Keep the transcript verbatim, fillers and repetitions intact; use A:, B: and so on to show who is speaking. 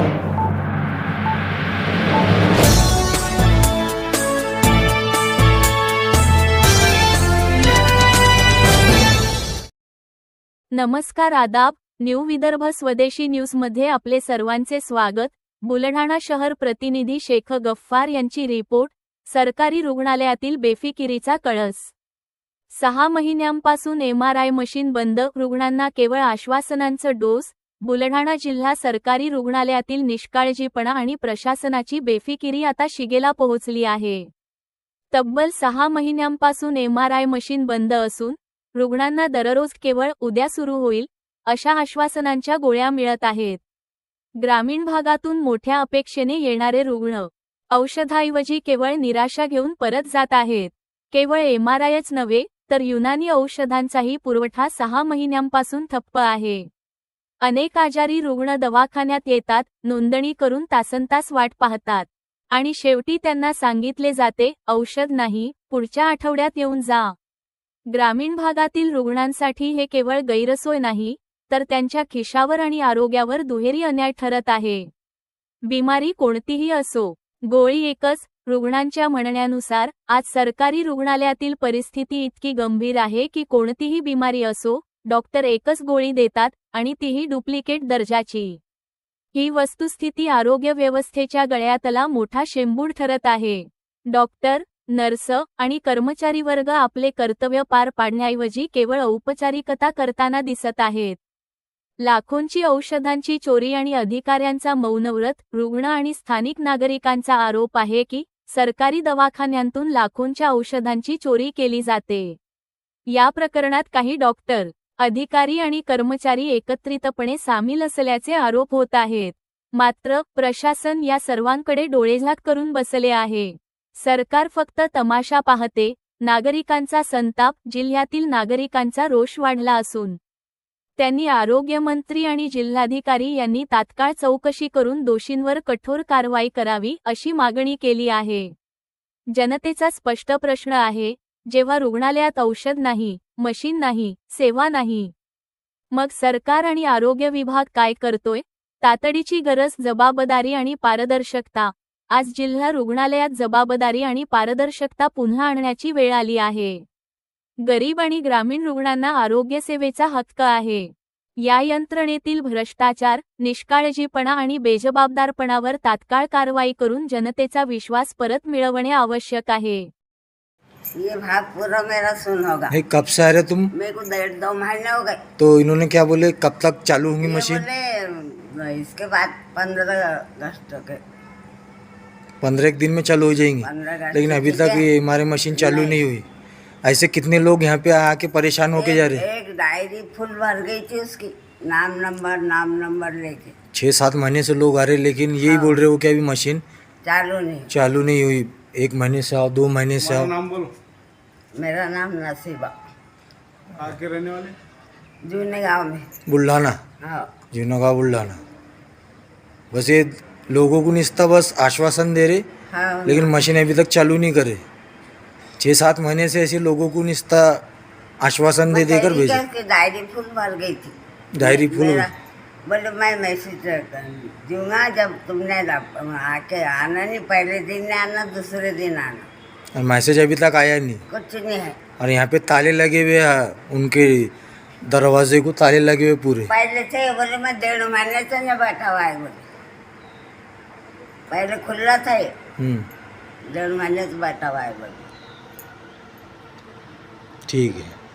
A: नमस्कार, आदाब. न्यू विदर्भ स्वदेशी न्यूजमध्ये आपले सर्वांचे स्वागत. बुलढाणा शहर प्रतिनिधी शेख गफ्फार यांची रिपोर्ट. सरकारी रुग्णालयातील बेफिकिरीचा कळस. सहा महिन्यांपासून एमआरआय मशीन बंद, रुग्णांना केवळ आश्वासनांचं डोस. बुलढाणा जिल्हा सरकारी रुग्णालयातील निष्काळजीपणा आणि प्रशासनाची बेफिकिरी आता शिगेला पोहोचली आहे. तब्बल सहा महिन्यांपासून एमआरआय मशीन बंद असून रुग्णांना दररोज केवळ उद्या सुरू होईल अशा आश्वासनांच्या गोळ्या मिळत आहेत. ग्रामीण भागातून मोठ्या अपेक्षेने येणारे रुग्ण औषधाऐवजी केवळ निराशा घेऊन परत जात आहेत. केवळ एमआरआयच नव्हे तर युनानी औषधांचाही पुरवठा सहा महिन्यांपासून ठप्प आहे. अनेक आजारी रुग्ण दवाखान्यात येतात, नोंदणी करून तासनतास वाट पाहतात आणि शेवटी त्यांना सांगितले जाते, औषध नाही, पुढच्या आठवड्यात येऊन जा. ग्रामीण भागातील रुग्णांसाठी हे केवळ गैरसोय नाही तर त्यांच्या खिशावर आणि आरोग्यावर दुहेरी अन्याय ठरत आहे. बिमारी कोणतीही असो, गोळी एकच. रुग्णांच्या म्हणण्यानुसार आज सरकारी रुग्णालयातील परिस्थिती इतकी गंभीर आहे की कोणतीही बिमारी असो, डॉक्टर एकच गोळी देतात आणि तीही डुप्लिकेट दर्जाची. ही वस्तुस्थिती आरोग्य व्यवस्थेच्या गळ्यातला मोठा शेंबूड ठरत आहे. डॉक्टर, नर्स आणि कर्मचारी वर्ग आपले कर्तव्य पार पाडण्याऐवजी केवळ औपचारिकता करताना दिसत आहेत. लाखोंची औषधांची चोरी आणि अधिकाऱ्यांचा मौनव्रत. रुग्ण आणि स्थानिक नागरिकांचा आरोप आहे की सरकारी दवाखान्यांतून लाखोंच्या औषधांची चोरी केली जाते. या प्रकरणात काही डॉक्टर, अधिकारी आणि कर्मचारी एकत्रितपणे सामील असल्याचे आरोप होत आहेत. मात्र प्रशासन या सर्वांकडे डोळेझाक करून बसले आहे. सरकार फक्त तमाशा पाहते. नागरिकांचा संताप. जिल्ह्यातील नागरिकांचा रोष वाढला असून त्यांनी आरोग्यमंत्री आणि जिल्हाधिकारी यांनी तात्काळ चौकशी करून दोषींवर कठोर कारवाई करावी अशी मागणी केली आहे. जनतेचा स्पष्ट प्रश्न आहे, जेव्हा रुग्णालयात औषध नाही, मशीन नाही, सेवा नाही, मग सरकार आणि आरोग्य विभाग काय करतोय? तातडीची गरज जबाबदारी आणि पारदर्शकता. आज जिल्हा रुग्णालयात जबाबदारी आणि पारदर्शकता पुन्हा आणण्याची वेळ आली आहे. गरीब आणि ग्रामीण रुग्णांना आरोग्यसेवेचा हक्क आहे. या यंत्रणेतील भ्रष्टाचार, निष्काळजीपणा आणि बेजबाबदारपणावर तात्काळ कारवाई करून जनतेचा विश्वास परत मिळवणे आवश्यक आहे.
B: ये भाग पूरा मेरा सुन होगा।
C: नहीं, कब से आ रहे तुम?
B: मेरे को डेढ़ दो महीने हो गए।
C: तो इन्होंने क्या बोले, कब तक चालू होंगी
B: ये
C: मशीन?
B: बोले इसके बाद पंद्रह अगस्त के
C: पंद्रह एक दिन में चालू हो जाएंगी,
B: पंद्रह अगस्त
C: लेकिन अभी
B: ठीक
C: तक
B: है।
C: ये हमारे मशीन चालू नहीं हुई। ऐसे कितने लोग यहाँ पे आके परेशान होके जा रहे हैं?
B: एक डायरी फुल भर गई थी उसकी, नाम नंबर नाम नंबर लेके।
C: छः सात महीने से लोग आ रहे हैं, लेकिन यही बोल रहे हो कि अभी मशीन
B: चालू नहीं।
C: चालू नहीं हुई। एक महीने से आओ, दो महीने से आओ।
D: नाम बोलो।
B: मेरा नाम नसीबा,
D: आके रहने वाले
B: जूने गांव में।
C: बुल्ढाना,
B: हाँ,
C: जुनागांव बुल्ढाना। बस ये लोगों को निस्ता बस आश्वासन दे रहे,
B: हाँ।
C: लेकिन मशीन अभी तक चालू नहीं करे। छः सात महीने से ऐसे लोगों को निस्ता आश्वासन दे देकर
B: बताइए
C: भेजे।
B: क्या कि डायरी फुल भर गई थी।
C: Diary full?
B: मेरा- बोले मैं मैसेज दूंगा जब तुमने आके आना, नहीं पहले दिन नहीं आना, दूसरे दिन आना।
C: और मैसेज अभी तक आया नहीं।
B: कुछ नहीं है।
C: और यहाँ पे ताले लगे हुए हैं, उनके दरवाजे को ताले लगे हुए पूरे।
B: पहले थे, बोले मैं डेढ़ महीने से नहीं बैठा हुआ है, बोले पहले खुला था ये,
C: हम्म,
B: डेढ़ महीने से बैठा हुआ है, बोले।
C: ठीक है।